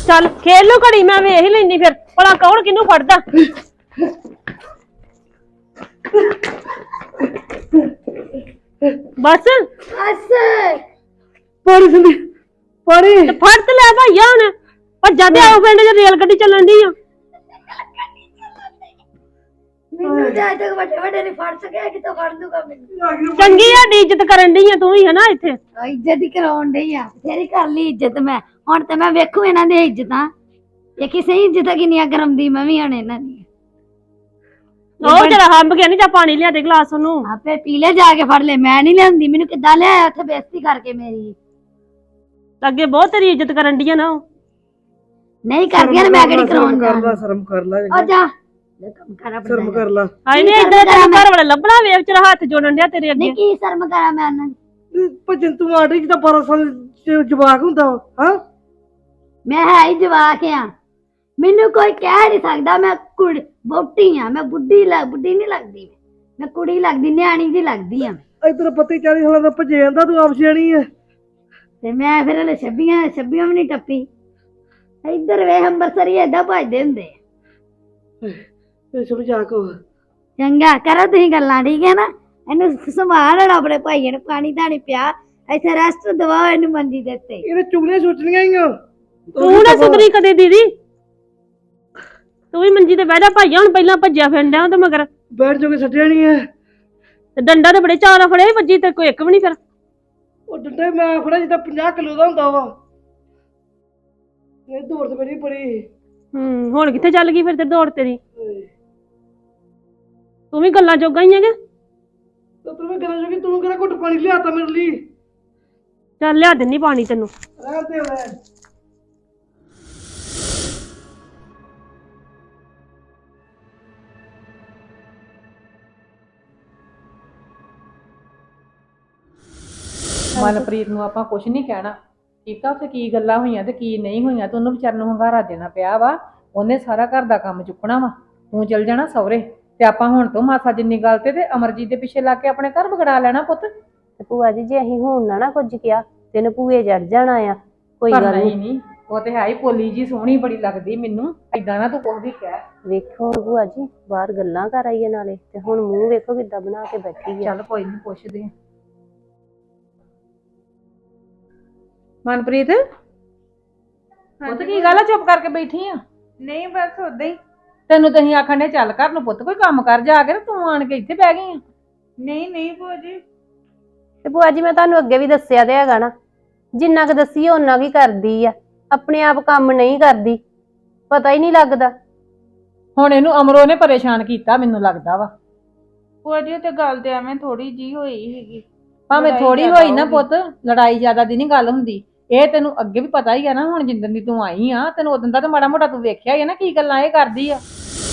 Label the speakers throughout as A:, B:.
A: ਚੱਲ ਖੇਲ ਲੋ ਘੜੀ, ਮੈਂ ਵੇਖ ਲੈਣੀ ਫਿਰ ਭਲਾ ਕੌਣ ਕਿਹਨੂੰ ਫੜਦਾ। ਬਸ
B: ਪਾਣੀ ਸੰਦੀ ਪਾਣੀ
A: ਤੇ ਫੜ ਤੇ ਲੈ ਭਾਈਆ ਹੁਣ ਭੱਜਾ ਤੇ ਆਓ ਪਿੰਡ ਚ ਰੇਲ ਗੱਡੀ ਚੱਲਣ ਦੀ ਆ।
C: ਮੈਨੂੰ ਜਾਇ ਤੱਕ ਵੱਡੇ ਵੱਡੇ ਨੇ ਫੜ ਸਕਿਆ ਕਿਤੋਂ ਫੜ ਦੂਗਾ ਮੈਨੂੰ।
A: ਚੰਗੀ ਸਾਡੀ ਇੱਜ਼ਤ ਕਰਨ ਦੀ ਆ ਤੂੰ ਵੀ ਹਨਾ ਇੱਥੇ।
C: ਇੱਜ਼ਤ ਹੀ ਕਰਾਉਣ ਡਈ ਆ, ਤੇਰੀ ਕਰ ਲਈ ਇੱਜ਼ਤ ਮੈਂ। ਹੁਣ ਤੇ ਮੈਂ ਵੇਖੂ ਇਹਨਾਂ ਦੀ ਇੱਜ਼ਤਾਂ, ਇਹ ਕਿਸੇ ਇੱਜ਼ਤਾਂ ਕਿੰਨੀਆਂ ਕਰਮਦੀ ਮੈਂ ਵੀ ਹਣ ਇਹਨਾਂ ਦੀ।
A: ਉਹ ਜਰਾ ਹੰਬ ਗਿਆ ਨੀ, ਜਾ ਪਾਣੀ ਲਿਆ ਦੇ ਗਲਾਸ ਉਹਨੂੰ।
C: ਆਪੇ ਪੀ ਲੈ ਜਾ ਕੇ ਫੜ ਲੈ, ਮੈਂ ਨਹੀਂ ਲਿਆਂਦੀ। ਮੈਨੂੰ ਕਿੱਦਾਂ ਲਿਆਇਆ ਉੱਥੇ ਬੇਇੱਜ਼ਤੀ ਕਰਕੇ ਮੇਰੀ।
A: ਅੱਗੇ ਬਹੁਤ ਤੇਰੀ ਇੱਜ਼ਤ ਕਰਨ ਦੀ ਆ ਨਾ।
C: ਨਹੀਂ ਕਰਦੀਆਂ ਮੈਂ ਕਿਹੜੀ ਕਰਾਉਣ
B: ਕਰ ਸ਼ਰਮ ਕਰ ਲੈ
C: ਆ ਜਾ ਕੰਮ ਕਰ ਆਪਣਾ।
B: ਸ਼ਰਮ ਕਰ ਲੈ।
A: ਹਾਏ ਨੀ ਇੱਧਰ ਤੇਰੇ ਘਰ ਵਾਲੇ ਲੱਭਣਾ ਵੇਖ ਤੇਰਾ ਹੱਥ ਜੋੜਨ ਡਿਆ ਤੇਰੇ ਅੱਗੇ।
C: ਨਹੀਂ ਕੀ ਸ਼ਰਮ ਕਰਾਂ ਮੈਂ ਉਹਨਾਂ ਦੀ।
B: ਭਜਨ ਤੂੰ ਆੜੀ ਜਿੱਦਾਂ 12 ਸਾਲ ਜਵਾਕ ਹੁੰਦਾ ਹਾਂ।
C: ਮੈਂ ਹੈ ਹੀ ਜਵਾਕ ਆ, ਮੈਨੂੰ ਕੋਈ ਕਹਿ ਨਹੀਂ ਸਕਦਾ। ਮੈਂ ਕੁੜੀ ਬੋਟੀ ਆ, ਮੈਂ ਬੁੱਢੀ ਨਹੀਂ ਲੱਗਦੀ। ਮੈਂ ਕੁੜੀ ਲੱਗਦੀ, ਨਿਆਣੀ ਦੀ ਲੱਗਦੀ ਆ।
B: ਇਧਰ ਪੱਤੀ 40 ਸਾਲਾਂ ਦਾ ਭਜੇ ਜਾਂਦਾ, ਤੂੰ ਆਪ ਸਿਆਣੀ ਐ।
C: ਤੇ ਮੈਂ ਫਿਰ ਹਲੇ 26 ਵੀ ਨਹੀਂ ਟੱਪੀ। ਇੱਧਰ ਵੇਖ ਅੰਬਰਸਰੀ ਏਦਾਂ ਭਜਦੇ ਹੁੰਦੇ।
B: ਇਹ ਸਮਝਾ ਕੋ
C: ਚੰਗਾ ਕਰੋ ਤੁਸੀਂ ਗੱਲਾਂ, ਠੀਕ ਹੈ ਨਾ। ਇਹਨੂੰ ਸੰਭਾਲ ਲੈਣਾ ਆਪਣੇ ਭਾਈਆਂ ਨੂੰ, ਪਾਣੀ ਧਾਣੀ ਪਿਆ, ਇੱਥੇ ਰੈਸਟ ਦਵਾਓ ਇਹਨੂੰ ਮੰਜੀ ਦੇ ਉੱਤੇ।
B: ਇਹਨੇ ਚੁਗਲੀਆਂ ਸੋਚਣੀਆਂ ਹੀ ਆ।
A: ਤੂੰ ਨਾ ਸੁਧਰੀ ਕਦੇ ਦੀਦੀ, ਤੂੰ ਵੀ ਮੰਜੀ ਤੇ ਬਹਿ ਜਾ ਭਾਈਆ। ਹੁਣ ਪਹਿਲਾਂ ਭੱਜਿਆ ਫਿਰਦਾ ਤੇ ਮਗਰ
B: ਬੈਠ ਜੋਗੇ ਛੱਡਿਆ ਨਹੀਂ ਐ।
A: ਤੇ ਡੰਡਾ ਤੇ ਬੜੇ ਚਾਰਾ ਫੜੇ ਵੱਜੀ ਤੇ ਕੋਈ ਇੱਕ ਵੀ ਨਹੀਂ ਫਿਰ।
B: ਉਹ ਡੰਡਾ ਮੈਂ ਫੜਿਆ ਜਿੱਦਾਂ 50 ਕਿਲੋ ਦਾ ਹੁੰਦਾ ਵਾ। ਇਹ ਦੌੜ ਤੇ ਮੇਰੀ ਬੜੀ।
A: ਹੁਣ ਕਿੱਥੇ ਚੱਲ ਗਈ ਫਿਰ ਤੇ ਦੌੜ ਤੇਰੀ। ਤੂੰ ਵੀ ਗੱਲਾਂ ਜੋਗਾ ਹੀ ਹੈਗਾ।
B: ਤੂੰ ਮੈਂ ਗੱਲਾਂ ਜੋਗੀ, ਤੂੰ ਕਿਹੜਾ ਘੁੱਟ ਪਾਣੀ ਲਿਆਤਾ ਮੇਰੇ ਲਈ।
A: ਚੱਲ ਲਿਆ ਦਿੰਨੀ ਪਾਣੀ ਤੈਨੂੰ।
B: ਰਹਿਣ ਦੇ ਮੈਂ।
D: ਮਨਪ੍ਰੀਤ ਨੂੰ ਆਪਾਂ ਕੁਝ ਨਹੀਂ ਕਹਿਣਾ, ਠੀਕ ਆ। ਉੱਥੇ ਕੀ ਗੱਲਾਂ ਹੋਈਆਂ ਤੇ ਕੀ ਨਹੀਂ ਹੋਈਆਂ ਤੇ ਉਹਨੂੰ ਵਿਚਾਰ ਨੂੰ ਹੰਗਾਰਾ ਦੇਣਾ ਪਿਆ ਵਾ। ਉਹਨੇ ਸਾਰਾ ਘਰ ਦਾ ਕੰਮ ਚੁੱਕਣਾ ਵਾ, ਤੂੰ ਚਲ ਜਾਣਾ ਸਹੁਰੇ। ਤੇ ਆਪਾਂ ਹੁਣ ਤੋਂ ਮਾਸਾ ਜਿੰਨੀ ਗੱਲ ਤੇ ਅਮਰਜੀਤ ਦੇ ਪਿੱਛੇ ਲੱਗ ਕੇ ਆਪਣੇ ਘਰ ਵਿਗੜਾ ਲੈਣਾ ਪੁੱਤ।
A: ਤੇ ਭੂਆ ਜੀ ਜੇ ਅਸੀਂ ਹੁਣ ਨਾ ਕੁਝ ਕਿਹਾ ਤੈਨੂੰ ਭੂਏ ਚੜ ਜਾਣਾ ਆ। ਕੋਈ ਗੱਲ
D: ਨਹੀਂ, ਉਹ ਤੇ ਹੈ ਹੀ ਪੋਲੀ ਜੀ, ਸੋਹਣੀ ਬੜੀ ਲੱਗਦੀ ਮੈਨੂੰ। ਏਦਾਂ ਨਾ ਤੂੰ ਕੁਝ ਵੀ ਕਹਿ।
A: ਵੇਖੋ ਭੂਆ ਜੀ ਬਾਹਰ ਗੱਲਾਂ ਕਰ ਆਈਏ ਨਾਲੇ, ਤੇ ਹੁਣ ਮੂੰਹ ਵੇਖੋ ਕਿੱਦਾਂ ਬਣਾ ਕੇ ਬੈਠੀ ਆ।
D: ਚੱਲ ਕੋਈ ਨਹੀਂ ਪੁੱਛਦੇ ਆ। ਮਨਪ੍ਰੀਤ ਪੁੱਤ ਕੀ ਗੱਲ ਆ, ਚੁੱਪ ਕਰਕੇ ਬੈਠੀ ਆ?
E: ਨਹੀਂ ਬਸ ਉਦਾਂ ਹੀ।
D: ਤੈਨੂੰ ਤਾਂ ਅਸੀਂ ਆਖਣ ਦੇ ਚੱਲ ਘਰ ਨੂੰ ਪੁੱਤ, ਕੋਈ ਕੰਮ ਕਰ ਜਾ ਕੇ, ਤੂੰ ਆਣ ਕੇ ਇੱਥੇ ਬਹਿ ਗਈ ਆ।
E: ਨਹੀਂ ਭੂਆ ਜੀ।
A: ਤੇ ਭੂਆ ਜੀ ਮੈਂ ਤੁਹਾਨੂੰ ਅੱਗੇ ਵੀ ਦੱਸਿਆ ਤੇ ਹੈਗਾ ਨਾ, ਜਿੰਨਾ ਕੁ ਦੱਸੀ ਓਨਾ ਕੀ ਕਰਦੀ ਆ, ਆਪਣੇ ਆਪ ਕੰਮ ਨਹੀਂ ਕਰਦੀ, ਪਤਾ ਹੀ ਨਹੀਂ ਲੱਗਦਾ।
D: ਹੁਣ ਇਹਨੂੰ ਅਮਰੋ ਨੇ ਪਰੇਸ਼ਾਨ ਕੀਤਾ ਮੈਨੂੰ ਲੱਗਦਾ ਵਾ।
E: ਭੂਆ ਜੀ ਤੇ ਗੱਲ ਤੇ ਐਵੇਂ ਥੋੜੀ ਜੀ ਹੋਈ ਹੈਗੀ।
D: ਭਾਵੇਂ ਥੋੜੀ ਹੋਈ ਨਾ ਪੁੱਤ, ਲੜਾਈ ਜ਼ਿਆਦਾ ਦੀ ਨਹੀਂ ਗੱਲ ਹੁੰਦੀ। ਇਹ ਤੈਨੂੰ ਅੱਗੇ ਵੀ ਪਤਾ ਹੀ ਆ ਨਾ, ਹੁਣ ਜਿੰਦਨ ਦੀ ਤੂੰ ਆਈ ਆ ਤੈਨੂੰ ਉਦੋਂ ਦਾ ਤਾਂ ਮਾੜਾ ਮੋਟਾ ਤੂੰ ਵੇਖਿਆ ਹੀ ਆ ਨਾ ਕੀ ਗੱਲਾਂ ਇਹ ਕਰਦੀ ਆ।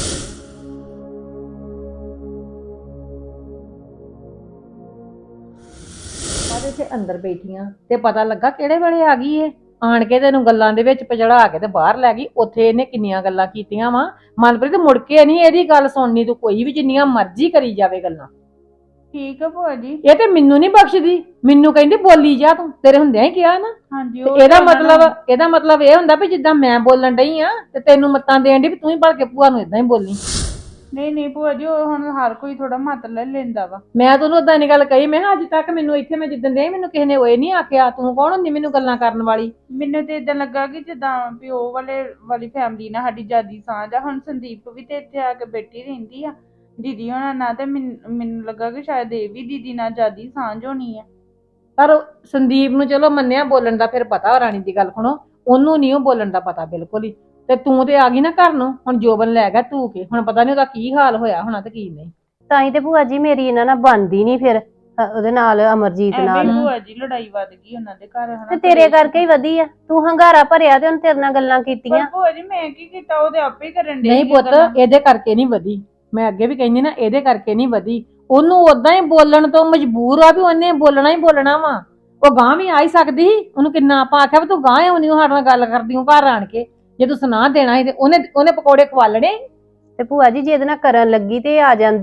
D: ਆਦੇ ਤੇ ਅੰਦਰ ਬੈਠੀਆਂ ਤੇ ਪਤਾ ਲੱਗਾ ਕਿਹੜੇ ਵੇਲੇ ਆ ਗਈ ਏ। ਆਣ ਕੇ ਤੈਨੂੰ ਗੱਲਾਂ ਦੇ ਵਿੱਚ ਪਜੜਾ ਕੇ ਤੇ ਬਾਹਰ ਲੈ ਗਈ। ਉੱਥੇ ਇਹਨੇ ਕਿੰਨੀਆਂ ਗੱਲਾਂ ਕੀਤੀਆਂ ਵਾ। ਮਨਪ੍ਰੀਤ ਮੁੜ ਕੇ ਨਹੀਂ ਇਹਦੀ ਗੱਲ ਸੁਣਨੀ ਤੂੰ, ਕੋਈ ਵੀ ਜਿੰਨੀਆਂ ਮਰਜ਼ੀ ਕਰੀ ਜਾਵੇ ਗੱਲਾਂ।
E: ਠੀਕ ਆ ਭੂਆ ਜੀ।
D: ਇਹ ਤੇ ਮੈਨੂੰ ਨਹੀਂ ਬਖਸ਼ਦੀ, ਮੈਨੂੰ ਕਹਿੰਦੀ ਬੋਲੀ ਜਾ ਤੂੰ, ਤੇਰੇ ਹੁੰਦਿਆਂ ਹੀ ਕਿਹਾ ਨਾ।
E: ਹਾਂਜੀ
D: ਇਹਦਾ ਮਤਲਬ ਇਹ ਹੁੰਦਾ ਵੀ ਜਿੱਦਾਂ ਮੈਂ ਬੋਲਣ ਡਈ ਆ ਤੇ ਤੈਨੂੰ ਮੱਤਾਂ ਦੇਣ ਦੀ ਵੀ ਤੂੰ ਹੀ ਭੜ ਕੇ ਭੂਆ ਨੂੰ ਇਦਾਂ ਹੀ ਬੋਲੀ।
E: ਨਹੀਂ ਭੂਆ ਜੀ, ਉਹ ਹੁਣ ਹਰ ਕੋਈ ਥੋੜਾ ਮੱਤ ਲੈ ਲੈਂਦਾ ਵਾ।
D: ਮੈਂ ਤੈਨੂੰ ਉਦਾਂ ਨਹੀਂ ਗੱਲ ਕਹੀ, ਮੈਂ ਅੱਜ ਤੱਕ ਮੈਨੂੰ ਇੱਥੇ ਮੈਂ ਜਿੱਦਣ ਦੇ ਮੈਨੂੰ ਕਿਸੇ ਨੇ ਉਹ ਨਹੀਂ ਆਖਿਆ ਤੂੰ ਕੌਣ ਹੁੰਦੀ ਮੈਨੂੰ ਗੱਲਾਂ ਕਰਨ ਵਾਲੀ।
E: ਮੈਨੂੰ ਤੇ ਇਦਾਂ ਲੱਗਾ ਕਿ ਜਿੱਦਾਂ ਪਿਓ ਵਾਲੀ ਫੈਮਿਲੀ ਨਾਲ ਸਾਡੀ ਜਿਆਦੀ ਸਾਂਝ ਆ। ਹੁਣ ਸੰਦੀਪ ਵੀ ਤੇ ਇੱਥੇ ਆ ਕੇ ਬੈਠੀ ਰਹਿੰਦੀ ਆ ਦੀਦੀ ਹੋਣਾ ਨਾਲ, ਤੇ ਮੈਨੂੰ ਲੱਗਾ ਕਿ ਸ਼ਾਇਦ ਇਹ ਵੀ ਦੀਦੀ ਨਾਲ ਜਿਆਦੀ ਸਾਂਝ ਹੋਣੀ ਆ।
D: ਪਰ ਸੰਦੀਪ ਨੂੰ ਚਲੋ ਮੰਨਿਆ ਬੋਲਣ ਦਾ ਫਿਰ ਪਤਾ, ਰਾਣੀ ਦੀ ਗੱਲ ਸੁਣੋ, ਉਹਨੂੰ ਨਹੀਂ ਉਹ ਬੋਲਣ ਦਾ ਪਤਾ ਬਿਲਕੁਲ ਹੀ। ਤੇ ਤੂੰ ਤੇ ਆ ਗਈ ਨਾ ਘਰ ਨੂੰ, ਹੁਣ ਜੋਬਨ ਲੈ ਗਿਆ ਧੂ ਕੇ, ਹੁਣ ਪਤਾ ਨਹੀਂ ਉਹਦਾ ਕੀ ਹਾਲ ਹੋਇਆ ਹੋਣਾ ਤੇ ਕੀ ਨਹੀਂ।
A: ਤਾਂ ਹੀ ਤੇ ਭੂਆ ਜੀ ਮੇਰੀ ਇਹਨਾਂ ਨਾਲ ਬਣਦੀ ਨਹੀਂ ਫਿਰ ਉਹਦੇ ਨਾਲ, ਅਮਰਜੀਤ ਨਾਲ।
E: ਭੂਆ ਜੀ ਲੜਾਈ ਵੱਧ ਗਈ ਉਹਨਾਂ ਦੇ ਘਰ ਹਨਾ।
A: ਤੇ ਤੇਰੇ ਕਰਕੇ ਹੀ ਵਧੀ ਆ, ਤੂੰ ਹੰਗਾਰਾ ਭਰਿਆ ਤੇ ਉਹਨੇ ਤੇਰੇ ਨਾਲ ਗੱਲਾਂ ਕੀਤੀਆਂ।
E: ਭੂਆ ਜੀ ਮੈਂ ਕੀ ਕੀਤਾ, ਉਹਦੇ ਆਪੇ ਹੀ ਕਰਨ ਦੇ।
D: ਨਹੀਂ ਪੁੱਤ, ਇਹਦੇ ਕਰਕੇ ਨਹੀਂ ਵਧੀ। ਮੈਂ ਅੱਗੇ ਵੀ ਕਹਿੰਦੀ ਨਾ, ਇਹਦੇ ਕਰਕੇ ਨਹੀਂ ਵਧੀ। ਉਹਨੂੰ ਉਦਾਂ ਹੀ ਬੋਲਣ ਤੋਂ ਮਜਬੂਰ ਆ ਵੀ ਉਹਨੇ ਬੋਲਣਾ ਹੀ ਬੋਲਣਾ ਵਾ। ਉਹ ਗਾਂ ਵੀ ਆ ਹੀ ਸਕਦੀ ਸੀ, ਉਹਨੂੰ ਕਿੰਨਾ ਆਪਾਂ ਆਖਿਆ ਵੀ ਤੂੰ ਗਾਂ ਆਉਣੀ ਸਾਡੇ ਨਾਲ ਗੱਲ ਕਰਦੀ ਹੂੰ ਘਰ ਆਣ ਕੇ, ਜੇ ਤੂੰ ਸੁਣਾ ਦੇਣਾ ਸੀ ਤੇ ਉਹਨੇ ਪਕੌੜੇ ਖਵਾ ਲੈਣੇ।
A: ਤੇ ਭੂਆ ਜੀ ਜੇ ਇਹਦੇ ਨਾਲ ਕਰਨ ਲੱਗੀ ਤੇ ਆ ਜਾਂਦੀ,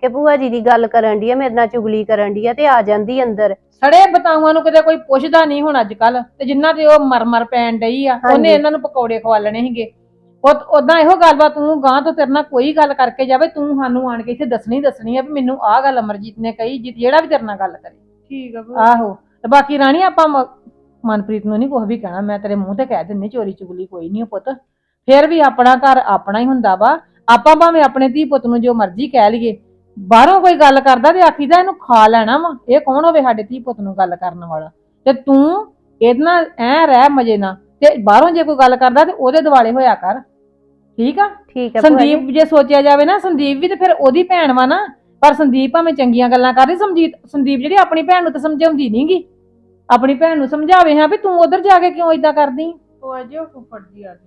A: ਕਿ ਭੂਆ ਜੀ ਦੀ ਗੱਲ ਕਰਨ ਡਈ ਆ, ਮੇਰੇ ਨਾਲ ਚੁਗਲੀ ਕਰਨ ਡਈ ਆ, ਤੇ ਆ ਜਾਂਦੀ ਅੰਦਰ।
D: ਸੜੇ ਬਤਾਊਆਂ ਨੂੰ ਕਿਤੇ ਕੋਈ ਪੁੱਛਦਾ ਨਹੀਂ ਹੁਣ ਅੱਜ ਕੱਲ, ਤੇ ਜਿੰਨਾ ਤੇ ਉਹ ਮਰ ਪੈਣ ਡਈ ਆ ਉਹਨੇ ਇਹਨਾਂ ਨੂੰ ਪਕੌੜੇ ਖਵਾਲਣੇ ਸੀਗੇ। ਉਦਾਂ ਇਹੋ ਗੱਲਬਾਤ ਤੂੰ ਗਾਂ ਤੋਂ ਤੇਰੇ ਨਾਲ ਕੋਈ ਗੱਲ ਕਰਕੇ ਜਾਵੇ, ਤੂੰ ਸਾਨੂੰ ਆਣ ਕੇ ਇੱਥੇ ਦੱਸਣੀ ਆ ਵੀ ਮੈਨੂੰ ਆਹ ਗੱਲ ਅਮਰਜੀਤ ਨੇ ਕਹੀ, ਜਿਹੜਾ ਵੀ ਤੇਰੇ ਨਾਲ ਗੱਲ ਕਰੇ।
E: ਠੀਕ ਆ ਭੂਆ।
D: ਆਹੋ, ਤੇ ਬਾਕੀ ਰਾਣੀ ਆਪਾਂ ਮਨਪ੍ਰੀਤ ਨੂੰ ਨਹੀਂ ਕੁਝ ਵੀ ਕਹਿਣਾ, ਮੈਂ ਤੇਰੇ ਮੂੰਹ ਤੇ ਕਹਿ ਦਿੰਨੀ ਚੋਰੀ ਚੁਗਲੀ ਕੋਈ ਨਹੀਂ ਪੁੱਤ। ਫਿਰ ਵੀ ਆਪਣਾ ਘਰ ਆਪਣਾ ਹੀ ਹੁੰਦਾ ਵਾ। ਆਪਾਂ ਭਾਵੇਂ ਆਪਣੇ ਧੀ ਪੁੱਤ ਨੂੰ ਜੋ ਮਰਜ਼ੀ ਕਹਿ ਲਈਏ, ਬਾਹਰੋਂ ਕੋਈ ਗੱਲ ਕਰਦਾ ਤੇ ਆਖੀਦਾ ਇਹਨੂੰ ਖਾ ਲੈਣਾ ਵਾ। ਇਹ ਕੌਣ ਹੋਵੇ ਸਾਡੇ ਧੀ ਪੁੱਤ ਨੂੰ ਗੱਲ ਕਰਨ ਵਾਲਾ? ਤੇ ਤੂੰ ਇਹਦੇ ਨਾਲ ਐ ਰਹਿ ਮਜੇ ਨਾਲ, ਤੇ ਬਾਹਰੋਂ ਜੇ ਕੋਈ ਗੱਲ ਕਰਦਾ ਤੇ ਉਹਦੇ ਦਿਵਾਲੇ ਹੋਇਆ ਕਰ, ਠੀਕ ਆ?
A: ਠੀਕ ਹੈ ਭੂਆ ਜੀ।
D: ਸੰਦੀਪ ਜੇ ਸੋਚਿਆ ਜਾਵੇ ਨਾ, ਸੰਦੀਪ ਵੀ ਤੇ ਫਿਰ ਉਹਦੀ ਭੈਣ ਵਾ ਨਾ, ਪਰ ਸੰਦੀਪ ਭਾਵੇਂ ਚੰਗੀਆਂ ਗੱਲਾਂ ਕਰਦੀ, ਸੰਦੀਪ ਜਿਹੜੀ ਆਪਣੀ ਭੈਣ ਨੂੰ ਤਾਂ ਸਮਝਾਉਂਦੀ ਨਹੀਂਗੀ। ਆਪਣੀ ਭੈਣ ਨੂੰ ਸਮਝਾਵੇ ਹਾਂ ਵੀ ਤੂੰ ਉਧਰ ਜਾ ਕੇ ਕਿਉਂ ਏਦਾਂ ਕਰਦੀ।
E: ਭੂਆ ਜੀ ਉਹ ਫੁੱਫੜ ਜੀ ਆ ਗਏ।